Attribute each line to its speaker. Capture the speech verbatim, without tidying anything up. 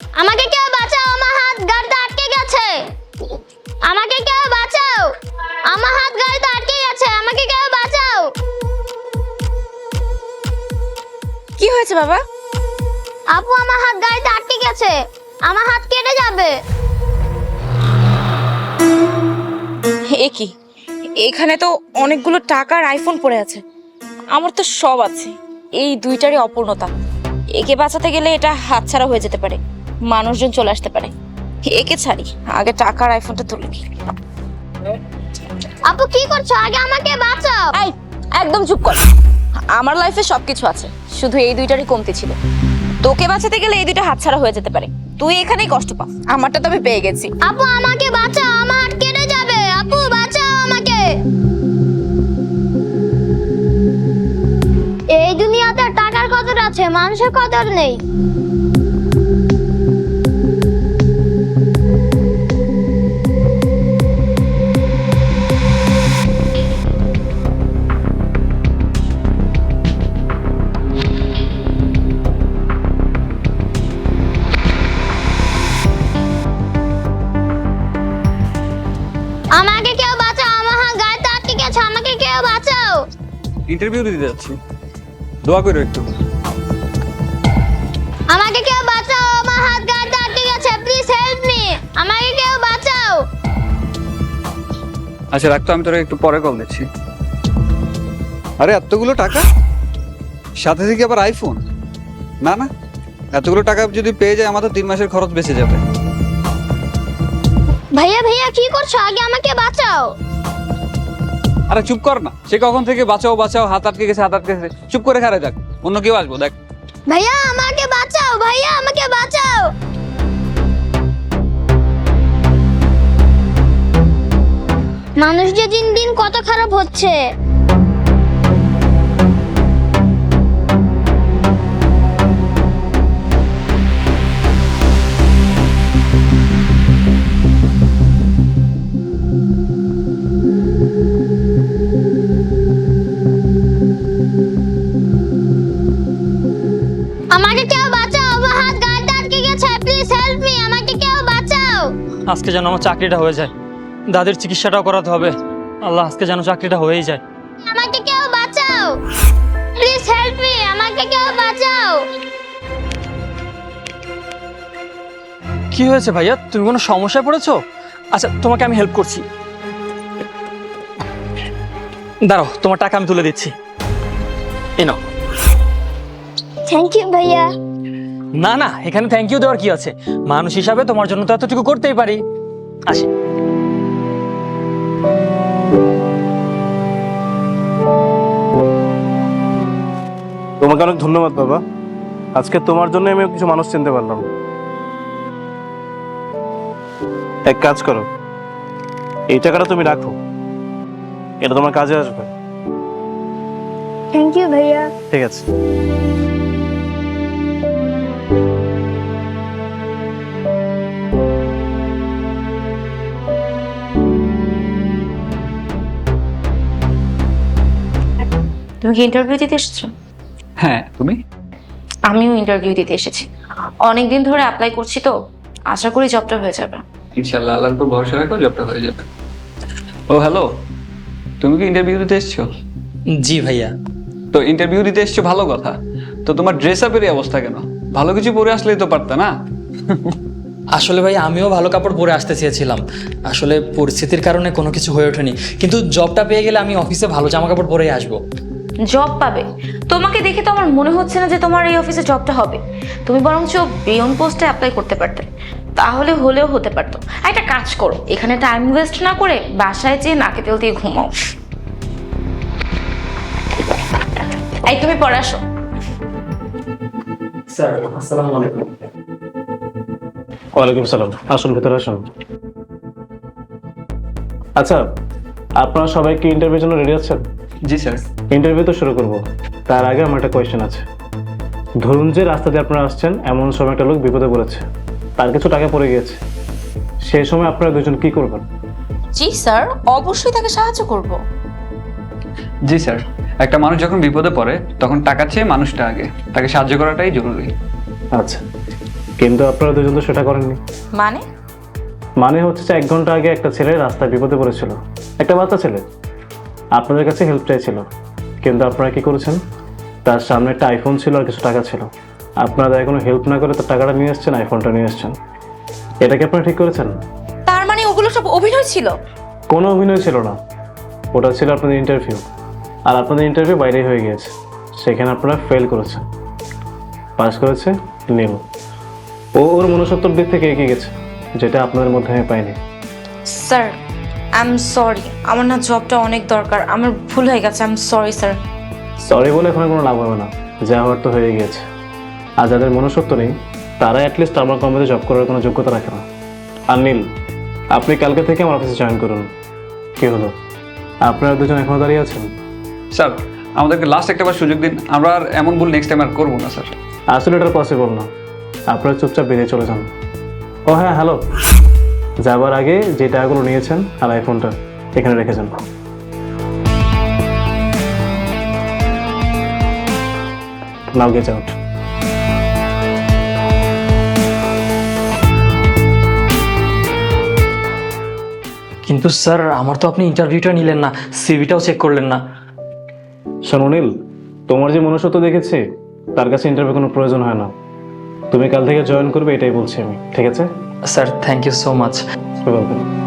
Speaker 1: আমাকে কেউ বাঁচাও, আমার হাত গাড়িতে আটকে গেছে। আমাকে কেউ বাঁচাও, আমার হাত গাড়িতে আটকে গেছে। আমাকে কেউ বাঁচাও।
Speaker 2: কি হয়েছে বাবা?
Speaker 1: আপু, আমার হাত গাড়িতে আটকে গেছে, আমার হাত কেটে যাবে।
Speaker 2: এ কি, এখানে তো অনেকগুলো টাকার আইফোন পড়ে আছে। আমার তো সব আছে, এই দুইটারই অপূর্ণতা। একে বাঁচাতে গেলে এটা হাতছাড়া হয়ে যেতে পারে, মানুষজন চলে আসতে পারে। একে ছাড়ি, আগে টাকার আইফোনটা তুলে নিই।
Speaker 1: আপু কি করছো? আগে আমাকে বাঁচাও।
Speaker 2: এই, একদম চুপ কর। আমার লাইফে সবকিছু আছে, শুধু এই দুইটারই কমতি ছিল। তোকে বাঁচাতে গেলে এই দুইটা হাতছাড়া হয়ে যেতে পারে, তুই এখানেই কষ্ট পা। আমারটা তো আমি পেয়ে গেছি।
Speaker 1: আপু আমাকে বাঁচাও, আমার হাত কেটে যাবে। আপু বাঁচাও আমাকে। এই দুনিয়াতে টাকার কদর আছে, মানুষের কদর নেই। আমাকে কেউ বাঁচাও, আমার হাত গাড়িতে আটকে গেছে। আমাকে কেউ বাঁচাও।
Speaker 3: ইন্টারভিউ দিতে যাচ্ছি, দোয়া করো একটু।
Speaker 1: আমাকে কেউ বাঁচাও, আমার হাত গাড়িতে আটকে গেছে। Please help me. আমাকে কেউ বাঁচাও।
Speaker 3: আচ্ছা রাখতো, আমি তোরা একটু পরে কল দিচ্ছি। আরে এতগুলো টাকা, সাথে থেকে আবার আইফোন? না না, এতগুলো টাকা যদি পেয়ে যায় আমাদের তিন মাসের খরচ বেঁচে যাবে।
Speaker 1: ভাইয়া ভাইয়া কি করছো? আগে আমাকে বাঁচাও।
Speaker 3: আরে চুপ কর না, সে কখন থেকে বাঁচাও বাঁচাও, হাত আটকে গেছে হাত আটকে গেছে, চুপ করে খারে যাক, অন্য কেউ আসবো দেখ।
Speaker 1: ভাইয়া আমাকে বাঁচাও, ভাইয়া আমাকে বাঁচাও। মানুষ যে দিন দিন কত খারাপ হচ্ছে। আমাকে কেউ বাঁচাও, আমার হাত গাড়িতে আটকে গেছে। Please help me. আমাকে কেউ বাঁচাও।
Speaker 4: আজকে যেন আমার চাকরিটা হয়ে যায়, দাদির চিকিৎসাটাও করাতে হবে। আল্লাহ, আজকে যেন চাকরিটা হয়েই যায়।
Speaker 1: আমাকে কেউ বাঁচাও। Please help me. আমাকে কেউ বাঁচাও।
Speaker 4: কি হয়েছে ভাইয়া, তুমি কোনো সমস্যায় পড়েছো? আচ্ছা তোমাকে আমি হেল্প করছি, দাঁড়াও, তোমার টাকা আমি তুলে দিচ্ছি। এই নাও।
Speaker 1: থ্যাংক ইউ ভাইয়া।
Speaker 4: না না, এখানে থ্যাংক ইউ দেওয়ার কি আছে, মানুষ হিসাবে তোমার জন্য তো এতটুকু করতেই পারি। আসি।
Speaker 5: তোমাকে অনেক ধন্যবাদ বাবা, আজকে তোমার জন্য আমি কিছু মানুষ চিনতে পারলাম। এক কাজ করো, এই টাকাটা তুমি রাখো, এটা তোমার কাজে আসবে।
Speaker 1: থ্যাংক ইউ ভাইয়া।
Speaker 5: ঠিক আছে।
Speaker 2: তুমি কি ইন্টারভিউ দিতে এসেছো?
Speaker 3: হ্যাঁ, তুমি?
Speaker 2: আমিও ইন্টারভিউ দিতে এসেছি, অনেকদিন ধরে অ্যাপ্লাই করছি, তো আশা করি জবটা হয়ে যাবে।
Speaker 3: ইনশাআল্লাহ, আল্লাহর উপর ভরসা রাখো, জবটা হয়ে যাবে। ও হ্যালো, তুমি কি ইন্টারভিউ দিতে এসছো?
Speaker 4: জি ভাইয়া।
Speaker 3: তো ইন্টারভিউ দিতে এসছো ভালো কথা, তো তোমার ড্রেস আপের এই অবস্থা কেন? ভালো কিছু পরে আসলেই তো পারতা না?
Speaker 4: আসলে ভাই আমিও ভালো কাপড় পরে আসতে চেয়েছিলাম, আসলে পরিস্থিতির কারণে কোনো কিছু হয়ে ওঠেনি, কিন্তু জবটা পেয়ে গেলে আমি অফিসে ভালো জামা কাপড় পরেই আসবো।
Speaker 2: জব পাবে? তোমাকে দেখে তো আমার মনে হচ্ছে না যে তোমার এই অফিসে জবটা হবে। তুমি বরঞ্চ বিয়ন পোস্টে অ্যাপ্লাই করতে পারতে, তাহলে হলেও হতে পারতো। একটা কাজ করো, এখানে টাইম ওয়েস্ট না করে বাসায় যেয়ে নাকে তেল দিয়ে ঘুমাও। এই তুমি পরে আসো।
Speaker 4: স্যার আসসালামু আলাইকুম।
Speaker 5: ওয়ালাইকুম সালাম, আসুন ভেতরে আসুন। আচ্ছা, আপনারা সবাই কি ইন্টারভিউর জন্য রেডি আছেন?
Speaker 3: জি স্যার।
Speaker 5: ইন্টারভিউ তো শুরু করব, তার আগে আমার একটা কোয়েশ্চেন আছে। ধরুন যে রাস্তা দিয়ে আপনারা আসছেন, এমন সময় একটা লোক বিপদে পড়েছে, তার কিছু টাকা পড়ে গিয়েছে, সেই সময় আপনারা দুজন কি করবেন?
Speaker 2: জি স্যার, অবশ্যই তাকে সাহায্য করব।
Speaker 3: জি স্যার, একটা মানুষ যখন বিপদে পড়ে তখন টাকা চেয়ে মানুষটা আগে, তাকে সাহায্য করাটাই জরুরি।
Speaker 5: আচ্ছা, কিন্তু আপনারা দুজন তো সেটা করেননি।
Speaker 2: মানে
Speaker 5: মানে হচ্ছে যে এক ঘন্টা আগে একটা ছেলে রাস্তায় বিপদে পড়েছিল, একটা বাচ্চা ছেলে আপনাদের কাছে হেল্প চাইছিল, কিন্তু আপনারা কি করেছেন? তার সামনে একটা আইফোন ছিল আর কিছু টাকা ছিল, আপনারা তাই কোনো হেল্প না করে তার টাকাটা নিয়ে এসছেন, আইফোনটা নিয়ে এসছেন। এটা কি আপনারা ঠিক করেছেন?
Speaker 2: তার মানে ওগুলো সব অভিনয় ছিল?
Speaker 5: কোনো অভিনয় ছিল না, ওটা ছিল আপনাদের ইন্টারভিউ, আর আপনাদের ইন্টারভিউ বাইরেই হয়ে গিয়েছে, সেখানে আপনারা ফেল করেছেন। পাস করেছে নীল। ও ওর মনুষ্যত্বর দিক থেকে এগিয়ে গেছে, যেটা আপনাদের মধ্যে আমি পাইনি।
Speaker 2: স্যার আই এম সরি, আমার না জবটা অনেক দরকার, আমার ভুল হয়ে গেছে, I am sorry sir.
Speaker 5: Sorry বলে এখন কোনো লাভ হবে না, যা হওয়ার তো হয়ে গিয়েছে। আর যাদের মনুষ্যত্ব নেই তারা অ্যাটলিস্ট আমার কোম্পানিতে জব করার কোনো যোগ্যতা রাখে না। আর নীল, আপনি কালকে থেকে আমার অফিসে জয়েন করুন। কি হলো, আপনারা দুজন এখনো দাঁড়িয়ে আছেন?
Speaker 3: স্যার আমাদেরকে লাস্ট একটা বার সুযোগ দিন, আমরা আর এমন ভুল নেক্সট টাইম আর করবো না স্যার।
Speaker 5: আসলে এটা পসিবল না, আপনারা চুপচাপ বেরিয়ে চলে যান। ও হ্যাঁ, হ্যালো, যাবার আগে যে টাকাগুলো নিয়েছেন আর আইফোনটা এখানে রেখে যান। Now get out.
Speaker 4: কিন্তু স্যার আমার তো আপনি ইন্টারভিউটা নিলেন না, সিভিটাও চেক করলেন না।
Speaker 5: শোনো নীল, তোমার যে মনুষ্যত্ব দেখেছি তার কাছে ইন্টারভিউ কোনো প্রয়োজন হয় না। তুমি কাল থেকে জয়েন করবে এটাই বলছি আমি, ঠিক আছে?
Speaker 4: Sir thank you so much.
Speaker 5: Welcome.